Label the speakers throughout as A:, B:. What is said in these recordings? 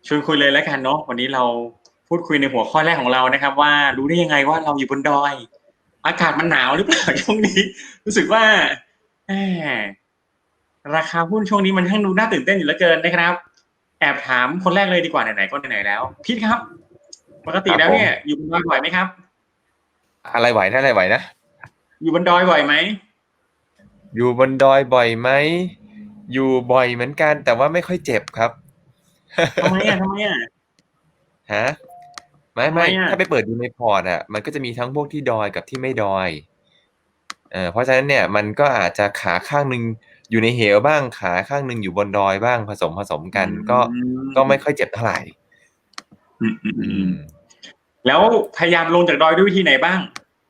A: ชวนคุยเลยแล้วกันเนาะวันนี้เราพูดคุยในหัวข้อแรกของเรานะครับว่ารู้ได้ยังไงว่าเราอยู่บนดอยอากาศมันหนาวหรือเปล่าช่วงนี้รู้สึกว่าแหมราคาหุ้นช่วงนี้มันช่างดูน่าตื่นเต้นอยู่เหลือเกินนะครับแอบถามคนแรกเลยดีกว่าไหนๆก็ไหนๆแล้วพีทครับปกติแล้วเนี่ยอยู่บนดอยบ่อยไหมครับ
B: อะไรไหวนะอะไรไหวนะ
A: อยู่บนดอยบ่อยไหม
B: อยู่บนดอยบ่อยไหมอยู่บ่อยเหมือนกันแต่ว่าไม่ค่อยเจ็บครับ
A: ทำไมอ่ะทำไมอ่ะ
B: ฮะไม่
A: ทำไม
B: ไม่
A: อ่ะ
B: ถ้าไปเปิดดูในพอร์ตอ่ะมันก็จะมีทั้งพวกที่ดอยกับที่ไม่ดอยเพราะฉะนั้นเนี่ยมันก็อาจจะขาข้างหนึ่งอยู่ในเหวบ้างขาข้างหนึ่งอยู่บนดอยบ้างผสม
A: อื
B: กันก็ไม่ค่
A: ม
B: อยเจ็บเท่าไหร่
A: อืมอืม
B: อื
A: อืม
B: ม
A: แล้วพยายามลงจากดอยด้วยวิธีไหนบ้าง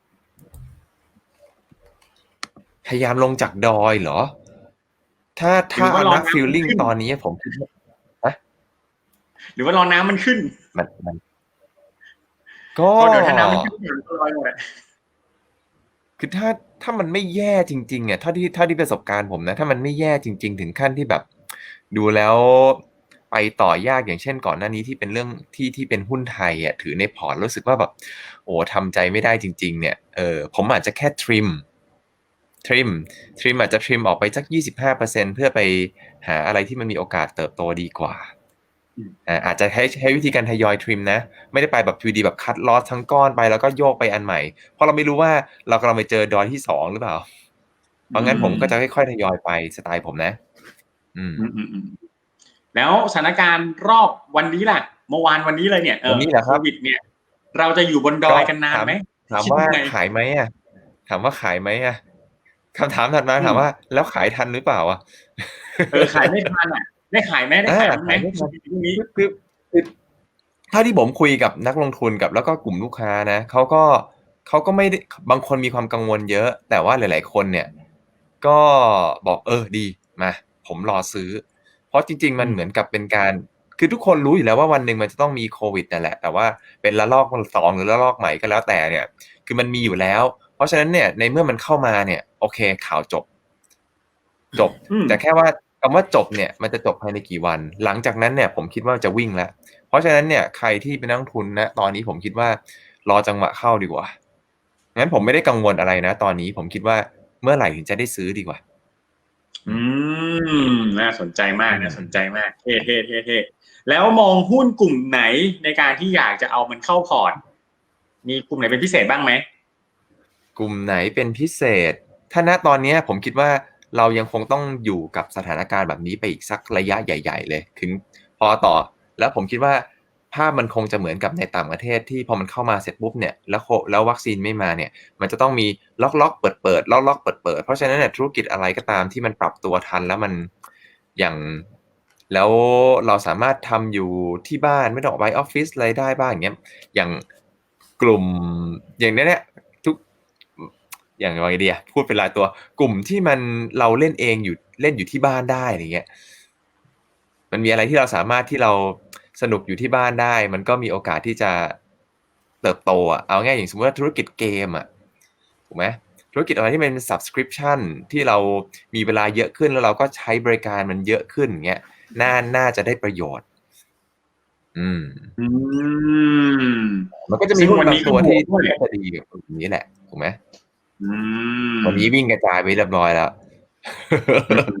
B: พยายามลงจากดอยเหรอถ้า
A: หรือว่า
B: ถ้าเอานัก
A: รอน้ำ
B: ฟีลลิ่ง
A: มันขึ้น
B: ตอนนี้ผมคิดว่าฮะ
A: หรือว่ารอน้ำมันขึ้น
B: มันก็
A: เพราะเดี๋ยวถ้าน้ำมันขึ้นเดี๋ยวมันลอยหมดอะ
B: คือถ้ามันไม่แย่จริงๆอ่ะเท่าที่ประสบการณ์ผมนะถ้ามันไม่แย่จริงๆถึงขั้นที่แบบดูแล้วไปต่อยากอย่างเช่นก่อนหน้านี้ที่เป็นเรื่องที่เป็นหุ้นไทยอ่ะถือในพอร์ตรู้สึกว่าแบบโอ้ทำใจไม่ได้จริงๆเนี่ยผมอาจจะแค่ทริมอาจจะทริมออกไปสัก25%เพื่อไปหาอะไรที่มันมีโอกาสเติบโตดีกว่าอาจจะใช้วิธีการทยอยทริมนะไม่ได้ไปแบบทีเดียวแบบคัดลอสทั้งก้อนไปแล้วก็โยกไปอันใหม่เพราะเราไม่รู้ว่าเรากำลังไปเจอดอยที่สองหรือเปล่าเพ
A: อื
B: ราะงั้นผมก็จะ
A: ม
B: ค่อยๆทยอยไปสไตล์ผมนะอืม
A: อืมอืมอืมแล้วสถานการณ์รอบวันนี้ล่ะเมื่อวานวันนี้เลยเนี่ย
B: วันนี้แหละ
A: โค
B: ครับ
A: วิดเนี่ยเราจะอยู่บนดอ
B: ก็
A: ยกันนาน
B: ถาม
A: ไหม
B: ถามว่า
A: คิดยังไง
B: ขายไหมอ่ะถามว่าขายไหมอ่ะคำถามถัดมา
A: อืม
B: ถามว่าแล้วขายทันหรือเปล่าอ่ะ
A: ขายไม่ทันอ่ะได้ขายไหมได้
B: อ่า
A: ขายมั้างไหม
B: ขายไม่ทัน
A: ช่วงนี้
B: คือถ้าที่ผมคุยกับนักลงทุนกับแล้วก็กลุ่มลูกค้านะเขาก็ไม่ได้บางคนมีความกังวลเยอะแต่ว่าหลายๆคนเนี่ยก็บอกดีมาผมรอซื้อเพราะจริงๆ
A: อืม
B: มันเหมือนกับเป็นการคือทุกคนรู้อยู่แล้วว่าวันหนึ่งมันจะต้องมีโควิดนั่นแหละแต่ว่าเป็นระลอกสองหรือระลอกใหม่ก็แล้วแต่เนี่ยคือมันมีอยู่แล้วเพราะฉะนั้นเนี่ยในเมื่อมันเข้ามาเนี่ยโอเคข่าวจบ
A: อืม
B: แต่แค่ว่าคำว่าจบเนี่ยมันจะจบภายในกี่วันหลังจากนั้นเนี่ยผมคิดว่าจะวิ่งแล้วเพราะฉะนั้นเนี่ยใครที่เป็นนักลงทุนนะตอนนี้ผมคิดว่ารอจังหวะเข้าดีกว่างั้นผมไม่ได้กังวลอะไรนะตอนนี้ผมคิดว่าเมื่อไหร่ถึงจะได้ซื้อดีกว่าอื
A: อื
B: ม
A: น่าสนใจมาก
B: อืม
A: น่าสนใจมากเท่แล้วมองหุ้นกลุ่มไหนในการที่อยากจะเอามันเข้าพอร์ตมีกลุ่มไหนเป็นพิเศษบ้างไหม
B: กลุ่มไหนเป็นพิเศษถ้าณตอนนี้ผมคิดว่าเรายังคงต้องอยู่กับสถานการณ์แบบนี้ไปอีกสักระยะใหญ่ๆเลยถึงพอต่อแล้วผมคิดว่าภาพมันคงจะเหมือนกับในต่างประเทศที่พอมันเข้ามาเสร็จปุ๊บเนี่ยแล้ววัคซีนไม่มาเนี่ยมันจะต้องมีล็อกเปิดล็อกเปิดเพราะฉะนั้นเนี่ยธุรกิจอะไรก็ตามที่มันปรับตัวทันแล้วมันอย่างแล้วเราสามารถทำอยู่ที่บ้านไม่ต้องออกไปออฟฟิศอะไรได้บ้างอย่างเงี้ยอย่างกลุ่มอย่างเนี้ยเนี่ยทุกอย่างไรดีอะพูดเป็นรายตัวกลุ่มที่มันเราเล่นเองอยู่เล่นอยู่ที่บ้านได้อะไรเงี้ยมันมีอะไรที่เราสามารถที่เราสนุกอยู่ที่บ้านได้มันก็มีโอกาสที่จะเติบโตอ่ะเอาง่ายอย่างสมมติว่าธุรกิจเกมอ่ะถูกไหมธุรกิจอะไรที่เป็น subscription ที่เรามีเวลาเยอะขึ้นแล้วเราก็ใช้บริการมันเยอะขึ้นอย่างเงี้ยน่าจะได้ประโยชน์อืม
A: อืม
B: มันก็จะมี
A: ซึ่ง
B: หุ้น
A: วันนี้ก็
B: บางตัวที่
A: บวกด้วย
B: น่าจะดีกับกลุ่มนี้แหละถูกไหม
A: อื
B: วันนี้
A: ม
B: วิ่งกระจายไปเรียบร้อยแล้ว
A: อืม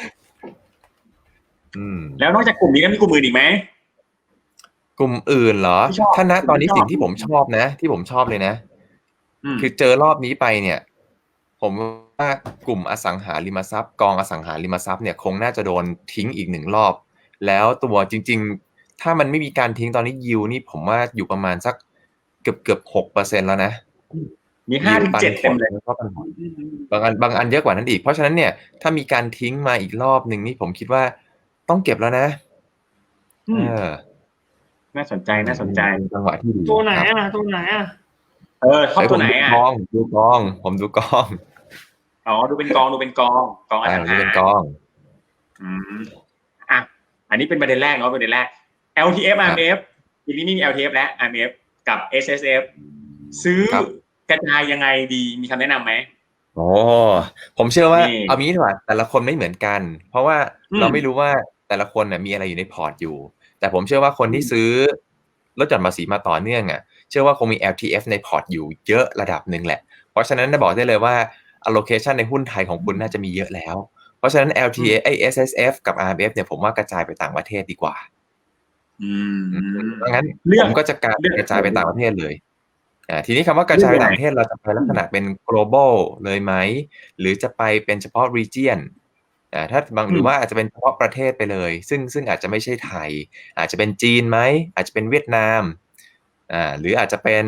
B: อืม
A: แล้วนอกจากกลุ่มนี้แล้วมีกลุ่มอื่นอีกไหม
B: กลุ่มอื่นเหรอ
A: ที่ชอบ
B: ถ้าณ
A: กลุ่ม
B: ตอนนี้
A: ที่ชอบ
B: สิ่งที่ผมชอบนะที่ผมชอบเลยนะ
A: อืม
B: คือเจอรอบนี้ไปเนี่ยผมว่ากลุ่มอสังหาริมทรัพย์กองอสังหาริมทรัพย์เนี่ยคงน่าจะโดนทิ้งอีกหนึ่งรอบแล้วตัวจริงๆถ้ามันไม่มีการทิ้งตอนนี้ยิวนี่ผมว่าอยู่ประมาณสักเกือบ6%แล้วนะ
A: มีห้า
B: ยิว
A: ถึง
B: ปันผล
A: เจ็ดเต็มเลย
B: แล้วก็ปันผลบางอันเยอะกว่านั้นอีกเพราะฉะนั้นเนี่ยถ้ามีการทิ้งมาอีกรอบหนึ่งนี่ผมคิดว่าต้องเก็บแล้วนะเอ
A: อืม
B: อ
A: น่าสนใจ
B: อืม
A: น่าสนใจ
B: เป็นจังหวะที่ดี
C: ตัวไหน
B: ครับ
C: อ่ะตัวไหนอ่ะ
A: ชอบตัวไหนอ่ะ
B: ผมดูกอง
A: อ๋อดูเป็นกองดูเป็นกองกองอสังหา
B: ผมดูเป็นกอง
A: อืมอ่ะอันนี้เป็นประเด็นแรกเนาะประเด็นแรก LTF
B: ครับ
A: RMF ทีนี้ไม่มี LTF และ RMF กับ SSF ซื้อ
B: ครับ
A: กระจายยังไงดีมีคำแนะนำไหม
B: โอ้ผมเชื่อว่า
A: นี่
B: เอางี้ดีกว่าแต่ละคนไม่เหมือนกันเพราะว่า
A: อืม
B: เราไม่รู้ว่าแต่ละคนน่ะมีอะไรอยู่ในพอร์ตอยู่แต่ผมเชื่อว่าคนที่ซื้อลดหย่อนภาษีมาต่อเนื่องอ่ะเชื่อว่าคงมี LTF ในพอร์ตอยู่เยอะระดับหนึ่งแหละเพราะฉะนั้นจะบอกได้เลยว่า allocation ในหุ้นไทยของคุณน่าจะมีเยอะแล้วเพราะฉะนั้น LTA SSF กับ RMF เนี่ยผมว่ากระจายไปต่างประเทศดีกว่าเพราะงั้นผมก็จะกระจายไปต่างประเทศเลยทีนี้คำว่ากระจายไปต่างประเทศเราจะไปลักษณะเป็น global เลยไหมหรือจะไปเป็นเฉพาะ region ถ้าบางหรือว่าอาจจะเป็นเฉพาะประเทศไปเลยซึ่งอาจจะไม่ใช่ไทยอาจจะเป็นจีนไหมอาจจะเป็นเวียดนามหรืออาจจะเป็น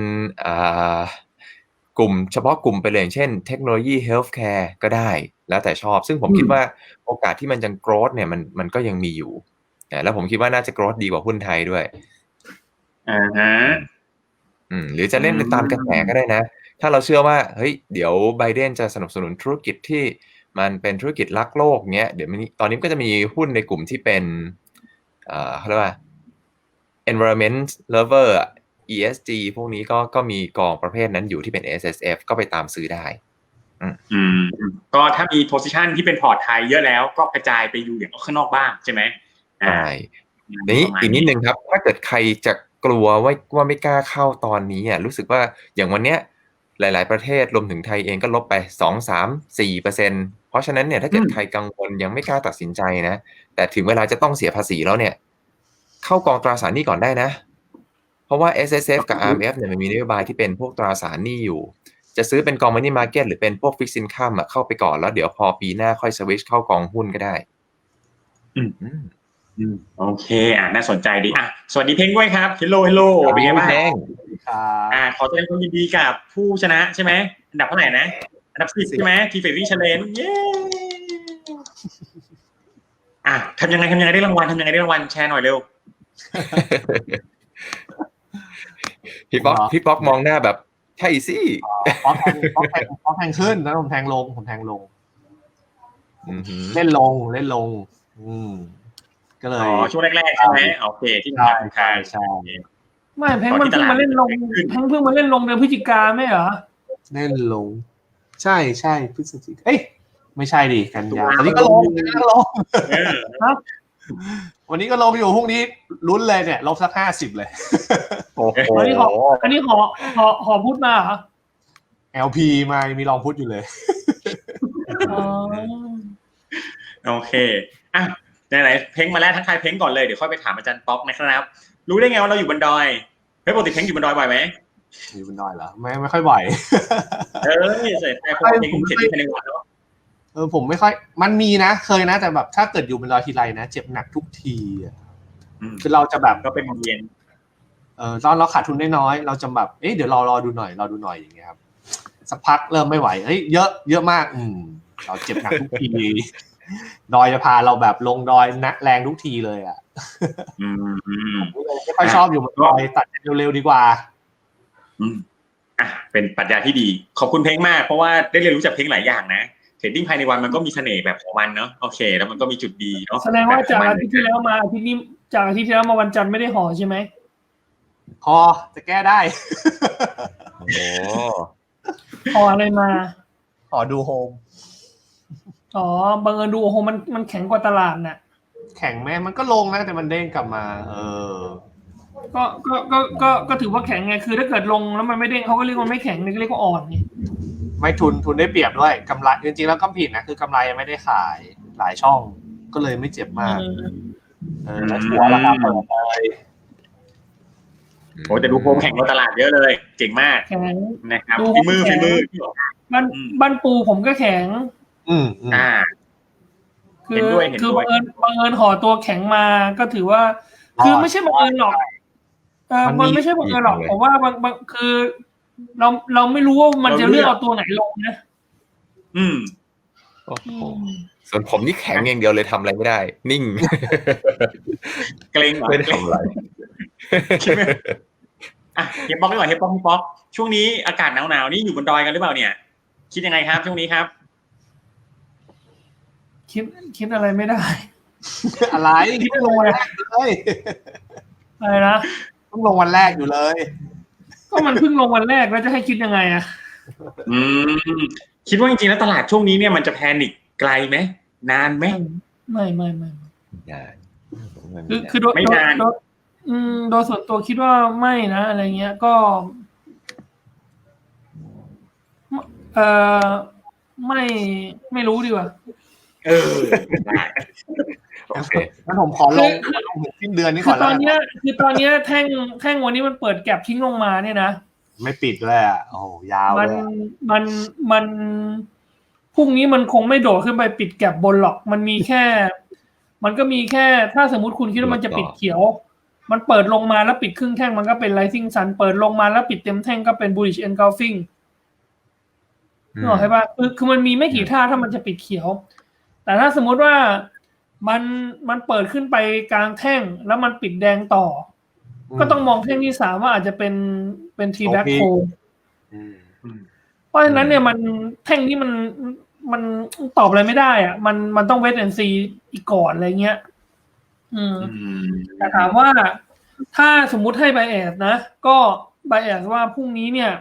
B: กลุ่มเฉพาะกลุ่มไปเลยอย่างเช่นเทคโนโลยีเฮลท์แคร์ก็ได้แล้วแต่ชอบซึ่งผมคิดว่าโอกาสที่มันจะ growth เนี่ยมันก็ยังมีอยู่แล้วผมคิดว่าน่าจะ growth ดีกว่าหุ้นไทยด้วยหรือจะเล่นไปตามกระแสก็ได้นะถ้าเราเชื่อว่าเฮ้ยเดี๋ยวไบเดนจะสนับสนุนธุรกิจที่มันเป็นธุรกิจรักโลกเนี้ยเดี๋ยวตอนนี้ก็จะมีหุ้นในกลุ่มที่เป็นเขาเรียกว่า environment lover ESG พวกนี้ก็มีกองประเภทนั้นอยู่ที่เป็น SSF ก็ไปตามซื้อได้
A: ก็ถ้ามี position ที่เป็นพอร์ตไทยเยอะแล้วก็กระจายไปอยู่อย่างข้างนอกบ้างใช่ไหม
B: ใช่นี้อีกนิดนึงครับถ้าเกิดใครจะกลัวว่าไม่กล้าเข้าตอนนี้รู้สึกว่าอย่างวันเนี้ยหลายๆประเทศรวมถึงไทยเองก็ลบไป 2-3-4% เพราะฉะนั้นเนี่ยถ้าเกิดใครกังวลยังไม่กล้าตัดสินใจนะแต่ถึงเวลาจะต้องเสียภาษีแล้วเนี่ยเข้ากองตราสารหนี้ก่อนได้นะเพราะว่า SSF กับ RMF เนี่ยมันมีนโยบายที่เป็นพวกตราสารหนี้อยู่จะซื้อเป็นกอง Money Market หรือเป็นพวก Fixed Income เข้าไปก่อนแล้วเดี๋ยวพอปีหน้าค่อยสวิตช์เข้ากองหุ้นก็ได้
A: โอเคน่าสนใจดีสวัสดีเพ้งด้วยครับเฮลโลเป็นไงบ้างขอแสดงความยินดีกับผู้ชนะใช่ไหมอันดับเท่าไหร่นะอันดับ10ใช่ไหมทีเฟรรี่เชลเลนเย้ทำยังไงได้รางวัลแชร์หน่อยเร็ว
B: พี่ป๊อกมองหน้าแบบใช่สิ
C: ป๊อกแทงขึ้นแล้วผมแทงลงเล่นลงก็เลย
A: ช่วงแรกๆใช่ไหมโอเคที่ทาง
C: ใช่
D: ไม่แพงมันเพิ่งมาเล่นลงเดือนพฤศจิกาไม่เหรอ
C: เล่นลงใช่พฤศจิกาไม่ใช่ดิกันยาวันนี้ก็ลงวันนี้ก็ลงอยู่พรุ่งนี้ลุ้นเลยเนี่ยลบสัก50เลย
D: อันนี้ขอพูดมาเหรอ
C: LP มามีรองพุทธอยู่เลย
A: โอเคไหนเพ้งมาแล้วทักทายเพ้งก่อนเลยเดี๋ยวค่อยไปถามอาจารย์ป๊อกนะครับรู้ได้ไงว่าเราอยู่บนดอยปกติเพ้งอยู่บนดอยบ่อยไหม
C: อยู่บนดอยเหรอไม่ค่อยบ่อย
A: ใส่พวกเพ้งเจ็บที่ภายในวันเนาะ
C: ผมไม่ค่อยมันมีนะเคยนะแต่แบบถ้าเกิดอยู่บนดอยทีไรนะเจ็บหนักทุกทีคือเราจะแบบ
A: ก็เป็นเย็น
C: ตอนเราขาดทุนน้อยเราจะแบบเดี๋ยวรอดูหน่อยอย่างเงี้ยครับสักพักเริ่มไม่ไหวเยอะมากเราเจ็บหนักทุกทีดอยจะพาเราแบบลงดอยนะแรงทุกทีเลยไม่ค่อยชอบอยู่บนดอยตัดเร็วๆดีกว่า
A: เป็นปรัชญาที่ดีขอบคุณเพ้งมากเพราะว่าได้เรียนรู้จากเพ้งหลายอย่างนะเทรดดิ้งภายในวันมันก็มีเสน่ห์แบบของมันเนาะโอเคแล้วมันก็มีจุดดีเนาะ
D: แสดงว่าจากอาทิตย์ที่แล้วมาอาทิตย์นี้จากอาทิตย์ที่แล้วมาวันจันทร์ไม่ได้ห่อใช่ไหม
C: จะแก้ได้
D: ห่ออะไรมา
C: ห่อดูโฮม
D: บังเอิญดูโฮมมันแข็งกว่าตลาดน่ะ
C: แข็งไหมมันก็ลงนะแต่มันเด้งกลับมา
D: ก็ถือว่าแข็งไงคือถ้าเกิดลงแล้วมันไม่เด้งเขาก็เรียกว่าไม่แข็งนี่ก็เรียกว่าอ่อนนี่
C: ไม่ทุนได้เปรียบด้วยกำไรจริงๆแล้วก็ผิดนะคือกำไรยังไม่ได้ขายหลายช่องก็เลยไม่เจ็บมากแล้วถัวราคาเปิดเลย
A: แต่ดูโฮมแข่งกับตลาดเยอะเลยเก่งมากนะครับฝีมือ
D: บ้านปูผมก็แข็งคือบังเอิญห่อตัวแข็งมาก็ถือว่าคือไม่ใช่บังเอิญหรอกมันไม่ใช่บังเอิญหรอกผมว่าบางคือเราไม่รู้ว่ามันจะเลือกเอาตัวไหนลงนะ
B: ส่วนผมนี่แข็งอย่างเดียวเลยทำอะไรไม่ได้นิ่ง
A: เกรงไม่ได้ทำอะไรเฮปป๊อกดีกว่าเฮปป๊อกช่วงนี้อากาศหนาวนี่อยู่บนดอยกันหรือเปล่าเนี่ยคิดยังไงครับช่วงนี้ครับ
D: คิดอะไรไม่ได้
C: อะไร
D: คิดลงวันแรกเลยอะไรนะ
C: ต้องลงวันแรกอยู่เลย
D: ก็มันเพิ่งลงวันแรกแล้วจะให้คิดยังไง
A: คิดว่าจริงๆแล้วตลาดช่วงนี้เนี่ยมันจะแพนิคไกลไหมนานไหม
D: ไม่
B: ได้
D: คือโดยโดยส่วนตัวคิดว่าไม่นะอะไรเงี้ยก็ไม่รู้ดีกว่า
A: ได้
B: โอเค
C: งั้นผมขอลงสิ้นเดือนนี้ก่อนแล้ว
D: ตอนนี้แท่งวันนี้มันเปิดแก็บทิ้งลงมาเนี่ยนะ
C: ไม่ปิดเลยอ่ะโอ้ยาวเลย
D: มันพรุ่งนี้มันคงไม่โดดขึ้นไปปิดแก็บบนหรอกมันก็มีแค่ถ้าสมมุติคุณคิดว่ามันจะปิดเขียวมันเปิดลงมาแล้วปิดครึ่งแท่งมันก็เป็น rising sun เปิดลงมาแล้วปิดเต็มแท่งก็เป็น bullish engulfing นึกออกใช่ป่ะคือมันมีไม่กี่ท่าถ้ามันจะปิดเขียวแต่ถ้าสมมุติว่ามันเปิดขึ้นไปกลางแท่งแล้วมันปิดแดงต่อก็ต้องมองแท่งที่3ว่าอาจจะเป็น T back hold เพราะฉะนั้นเนี่ยมันแท่งนี้มันตอบอะไรไม่ได้อ่ะมันต้อง wait and see อีกก่อนอะไรเงี้ยแต่ถามว่าถ้าสมมุติให้ bias นะก็ bias ว่าพรุ่งนี้เนี่ย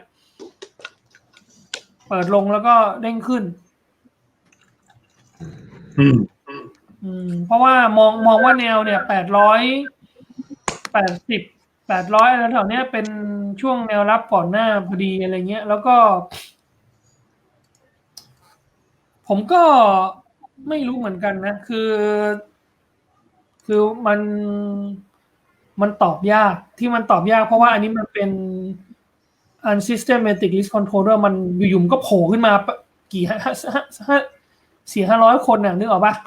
D: เปิดลงแล้วก็เด้งขึ้นเพราะว่ามองว่าแนวเนี่ย800แล้วแถวเนี้ยเป็นช่วงแนวรับก่อนหน้าพอดีอะไรเงี้ยแล้วก็ผมก็ไม่รู้เหมือนกันนะคือมันตอบยากที่มันตอบยากเพราะว่าอันนี้มันเป็น unsystematic risk controller มันอยู่ๆก็โผล่ขึ้นมากี่400-500 คนน่ะนึกออกป่ะ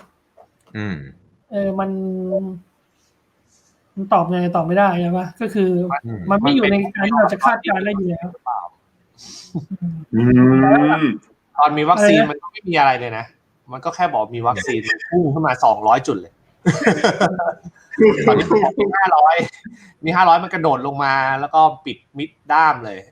D: มันตอบไงตอบไม่ได้ใช่ป่ะก็คือมันไม่อยู่ในการที่เราจะคาดการณ์ได้อยู่แล้ว
C: ตอนมีวัคซีนมันก็ไม่มีอะไรเลยนะมันก็แค่บอกมีวัคซีนมันพุ่งขึ้นมา200จุดเลยตอนนี้มี500มันกระโดดลงมาแล้วก็ปิดมิดด้ามเลย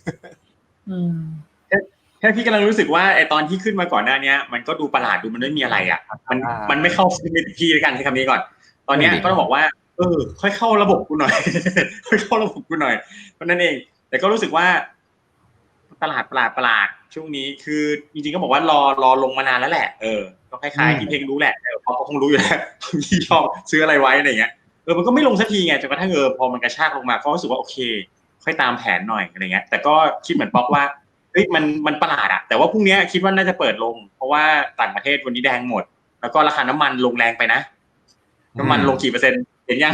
A: แค่พี่กำลังรู้สึกว่าไอตอนที่ขึ้นมาก่อนหน้านี้มันก็ดูประหลาดดูมันไม่มีอะไรอ่ะมันไม่เข้าพี่ด้วยกันใช้คำนี้ก่อนตอนนี้ก็ต้องบอกว่าค่อยเข้าระบบกูหน่อยค่อยเข้าระบบกูหน่อยเพราะนั้นเองแต่ก็รู้สึกว่าตลาดประหลาดช่วงนี้คือจริงๆก็บอกว่ารอลงมานานแล้วแหละก็คล้ายๆที่เพลงรู้แหละเพราะเขาคงรู้อยู่แล้วที่ชอบซื้ออะไรไว้อะไรเงี้ยมันก็ไม่ลงสักทีไงจนกระทั่งพอมันกระชากลงมาก็รู้สึกว่าโอเคค่อยตามแผนหน่อยอะไรเงี้ยแต่ก็คิดเหมือนป๊อกว่าเฮ้ยมันประหลาดอะแต่ว่าพรุ่งนี้คิดว่าน่าจะเปิดลงเพราะว่าต่างประเทศวันนี้แดงหมดแล้วก็ราคาน้ำมันลงแรงไปนะน้ำมันลงกี่เปอร์เซ็นต์เห็นยัง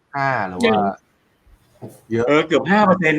C: 5หรือว่าเยอะ
A: เกือบ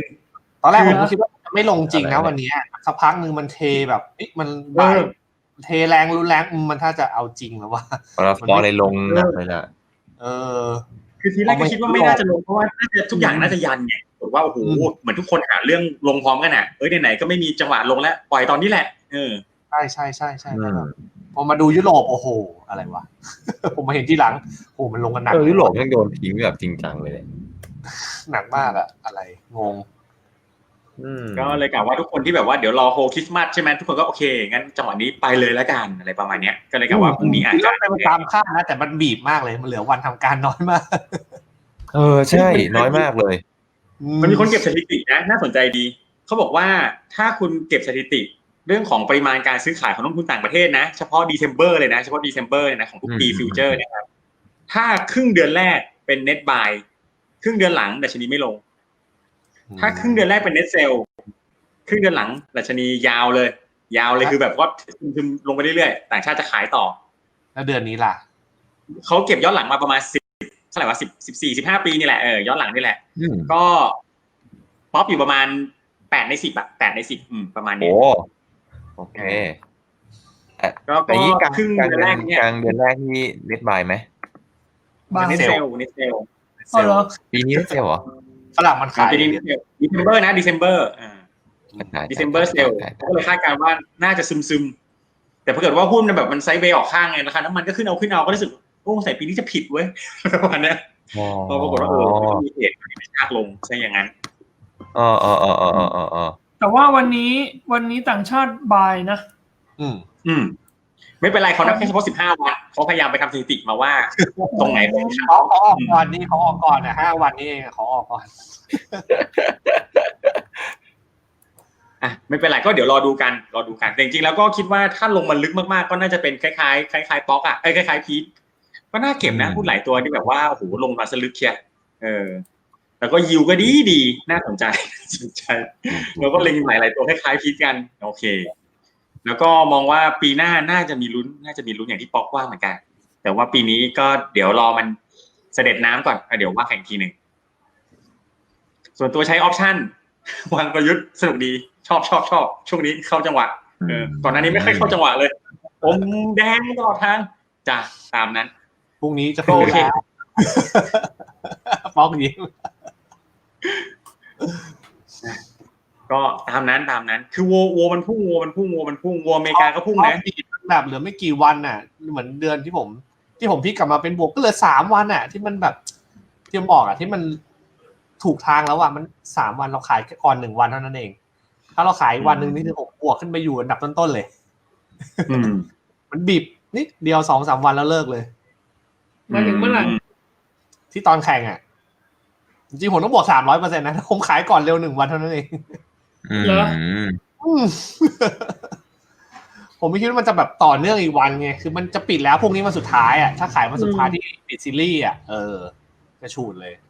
A: 5%
C: ตอนแรกผมคิดว่าไม่ลงจริงนะวันนี้สักพักนึงมันเทแบบมันบ่ายเทแรงรุนแรงมันถ้าจะเอาจริงแล้วว่า
B: พอเลยลงหนักเลยล่ะ
A: คือทีแรกก็คิดว่าไม่น่าจะลงเพราะว่าน่าจะทุกอย่างน่าจะยันไงบอกว่าโอ้โหเหมือนทุกคนหาเรื่องลงพร้อมกันอ่ะไหนๆก็ไม่มีจังหวะลงแล้วปล่อยตอนนี้แหละ
C: ใช่พอมาดูยุโรปโอ้โหอะไรวะผมมาเห็นที่หลังโอ้มันลงกันหนัก
B: ยุโรปยังโดนทิ้งแบบจริงจังเลย
C: หนักมากอะอะไรงง
A: ก็เลยกล่าวว่าทุกคนที่แบบว่าเดี๋ยวรอโฮคริสต์มาสใช่ไหมทุกคนก็โอเคงั้นจังหวะนี้ไปเลยแล้วกันอะไรประมาณนี้ก็เลยกล่าวว่าพรุ่งนี้อาจจะ
C: ไปตามคาดนะแต่มันบีบมากเลยมันเหลือวันทำการน้อยมาก
B: ใช่น้อยมากเลย
A: มันมีคนเก็บสถิตินะน่าสนใจดีเขาบอกว่าถ้าคุณเก็บสถิติเรื่องของปริมาณการซื้อขายของนักลงทุนต่างประเทศนะเฉพาะ December เลยนะเฉพาะ December เลยนะของทุกปีฟิวเจอร์นะครับถ้าครึ่งเดือนแรกเป็น net buy ครึ่งเดือนหลังดัชนีไม่ลงถ้าครึ่งเดือนแรกเป็น net sell ครึ่งเดือนหลังดัชนียาวเลยคือแบบว่าซึมลงไปเรื่อยๆต่างชาติจะขายต่อ
C: แล้วเดือนนี้ล่ะ
A: เขาเก็บย้อนหลังมาประมาณ10เท่าไหร่วะ14-15 ปีนี่แหละย้อนหลังนี่แหละก็ป๊อปอยู่ประมาณ8 ใน 10อ่ะ8 ใน 10ประมาณนี้
B: โอเค
A: ก็ครึ่งเดือนแรกเนี่ย
B: กลางเดือนแรกนี่เน็ตบายไหม
A: เน็ตเซล
B: ปีนี้เน็ตเซลเหรอ
C: ฝรั่งมันขาย
A: ปีนี้December นะ Decemberเซลก็เลยคาดการณ์ว่าน่าจะซึมแต่ถ้าเกิดว่าหุ้นแบบมันไซด์เวย์ออกข้างไงราคาน้ำมันก็ขึ้นเอาก็รู้สึกโอ้ใส่ปีนี้จะผิดเว้ยประมาณนี้พอปรากฏว่ามีเหตุที่ชากลงใช่อย่างนั้น
D: แต่ว่าวันนี้ต่างชาติบายนะ
A: ไม่เป็นไรเขานับแค่เฉพาะ15 วันเขาพยายามไปทำสถิติมาว่าตรงไหน
C: เขาออกก่อนนี่เขาออกก่อนนะ5 วันนี้เองเขาออกก่อน
A: ไม่เป็นไรก็เดี๋ยวรอดูกันแต่จริงๆแล้วก็คิดว่าถ้าลงมันลึกมากๆก็น่าจะเป็นคล้ายๆป๊อกคล้ายๆพีทก็น่าเก็บนะหุ้นหลายตัวที่แบบว่าโอ้โหลงมาสลึกเชียแล้วก็ยิวก็ดีน่าสนใจแล้วก็เล็งหลายตัวคล้ายๆพีทกันโอเคแล้วก็มองว่าปีหน้าน่าจะมีลุ้นอย่างที่ป๊อกว่าเหมือนกันแต่ว่าปีนี้ก็เดี๋ยวรอมันเสด็จน้ำก่อนเดี๋ยวว่าแข่งทีหนึ่งส่วนตัวใช้ออปชั่นวางกลยุทธ์สนุกดีชอบช่วงนี้เข้าจังหวะก่อนหน้านี้ไม่ค่อยเข้าจังหวะเลยอมแดงตลอดทางจ้ะตามนั้น
C: พรุ่งนี้จะเข้าแล้วป๊อกยิ้ม
A: ก็ตามนั้นคือวัวมันพุ่งวัวอเมริกาก็พุ่งนะ
C: แบบเหลือไม่กี่วันน่ะเหมือนเดือนที่ผมพลิกกลับมาเป็นบวกก็เหลือ3วันน่ะที่มันแบบที่ผมบอกอ่ะที่มันถูกทางแล้วอ่ะมัน3วันเราขายก่อน1วันเท่านั้นเองถ้าเราขายวันนึงนี่คือผมบวกขึ้นไปอยู่อันดับต้นๆเลยมันบีบนิดเดียว 2-3 วันแล้วเลิกเลย
D: มาถึงเมื่อไหร่
C: ที่ตอนแข่งอ่ะจริงๆผมต้องบวก 300% นะผมขายก่อนเร็ว1วันเท่านั้นเอง
D: เหรอ
C: ผมไม่คิดว่ามันจะแบบต่อเนื่องอีกวันไงคือมันจะปิดแล้วพรุ่งนี้วันสุดท้ายอ่ะถ้าขายวันสุดท้ายที่ปิดซีรีส์อ่ะจะฉูดเลย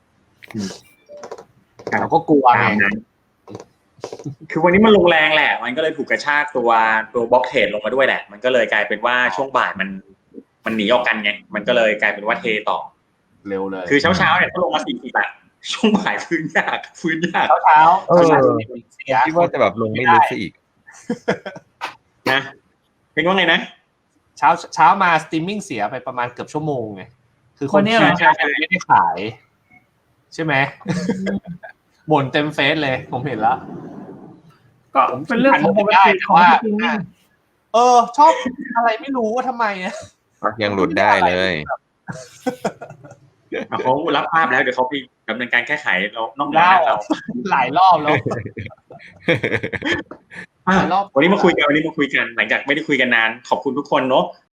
C: เราก็กลัวไง
A: คือวันนี้มันลงแรงแหละมันก็เลยถูกกระชากตัวบล็อกเทรดลงมาด้วยแหละมันก็เลยกลายเป็นว่าช่วงบ่ายมันหนีออกกันไงมันก็เลยกลายเป็นว่าเทต่อ
C: เร็วเลย
A: คือเช้าเนี่ยก็ลงมา40อ่ะช่วงบ่ายฟื้นยาก
C: เช้า
B: คิดว่าจะแบบลงไม่ลึกซะอีก
A: นะเป็นว่าไงนะ
C: เช้ามาสตรีมมิ่งเสียไปประมาณเกือบชั่วโมงไงคือคนที่ไม่ได้ขายใช่ไหมบ่นเต็มเฟซเลยผมเห็นแล้ว
D: ก็เป็นเรื่องของปกติของจริง
C: ชอบอะไรไม่รู้ว่าทำไม
B: ยังหลุดได้เลย
A: เขารับภาพแล้วเดี๋ยวเขาไปดำเนินการแก้ไขเรานอกเหนือเรา
C: หลายรอบแล้ว
A: วันนี้มาคุยกันหลังจากไม่ได้คุยกันนานขอบคุณทุกคนเนาะ